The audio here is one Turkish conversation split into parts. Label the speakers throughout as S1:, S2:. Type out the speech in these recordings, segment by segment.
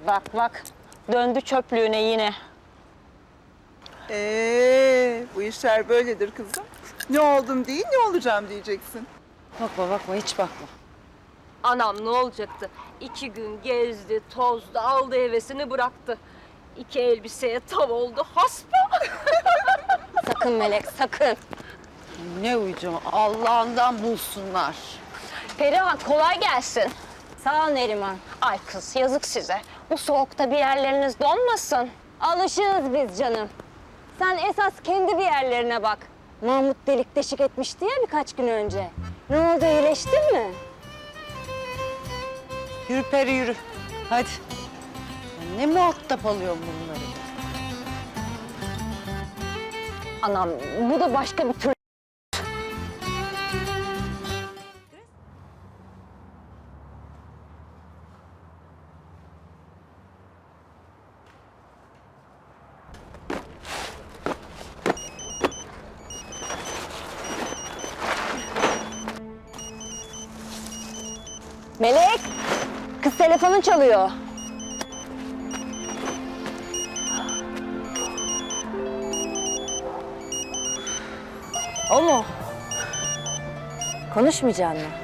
S1: Bak bak, döndü çöplüğüne yine.
S2: Bu işler böyledir kızım. Ne oldum değil, ne olacağım diyeceksin.
S3: Bakma bakma, hiç bakma.
S4: Anam ne olacaktı? 2 gün gezdi, tozdu, aldı hevesini bıraktı. 2 elbiseye tav oldu, haspa.
S1: Sakın Melek, sakın.
S3: Ne uyuyacağım, Allah'ından bulsunlar.
S1: Perihan, kolay gelsin. Sağ ol Neriman. Ay kız, yazık size. Bu soğukta bir yerleriniz donmasın. Alışığız biz canım. Sen esas kendi bir yerlerine bak. Mahmut delik deşik etmişti ya birkaç gün önce. Ne oldu, iyileştin mi?
S3: Yürü Peri yürü, hadi. Ne muhatap alıyorum bunları?
S1: Anam, bu da başka bir tür. Melek, kız telefonun çalıyor. O mu? Konuşmayacaksın mı?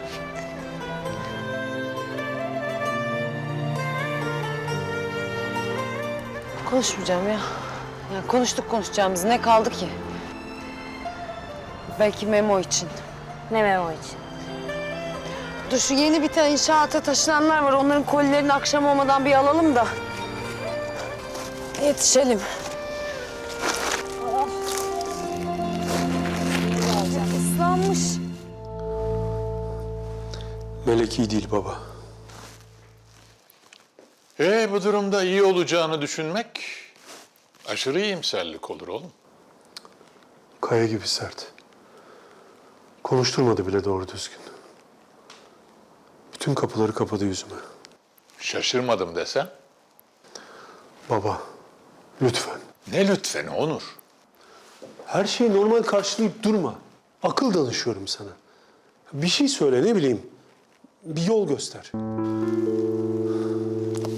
S3: Konuşmayacağım ya. Ya konuştuk konuşacağımız, ne kaldı ki? Belki Memo için.
S1: Ne Memo için?
S3: Dur şu yeni bir tane inşaata taşınanlar var. Onların kolilerini akşam olmadan bir alalım da yetişelim. Islanmış.
S5: Melek iyi değil baba.
S6: Bu durumda iyi olacağını düşünmek aşırı iyimserlik olur oğlum.
S5: Kaya gibi sert. Konuşturmadı bile doğru düzgün. Bütün kapıları kapadı yüzüme.
S6: Şaşırmadım desem.
S5: Baba, lütfen.
S6: Ne lütfen Onur.
S5: Her şeyi normal karşılayıp durma. Akıl danışıyorum sana. Bir şey söyle, ne bileyim. Bir yol göster.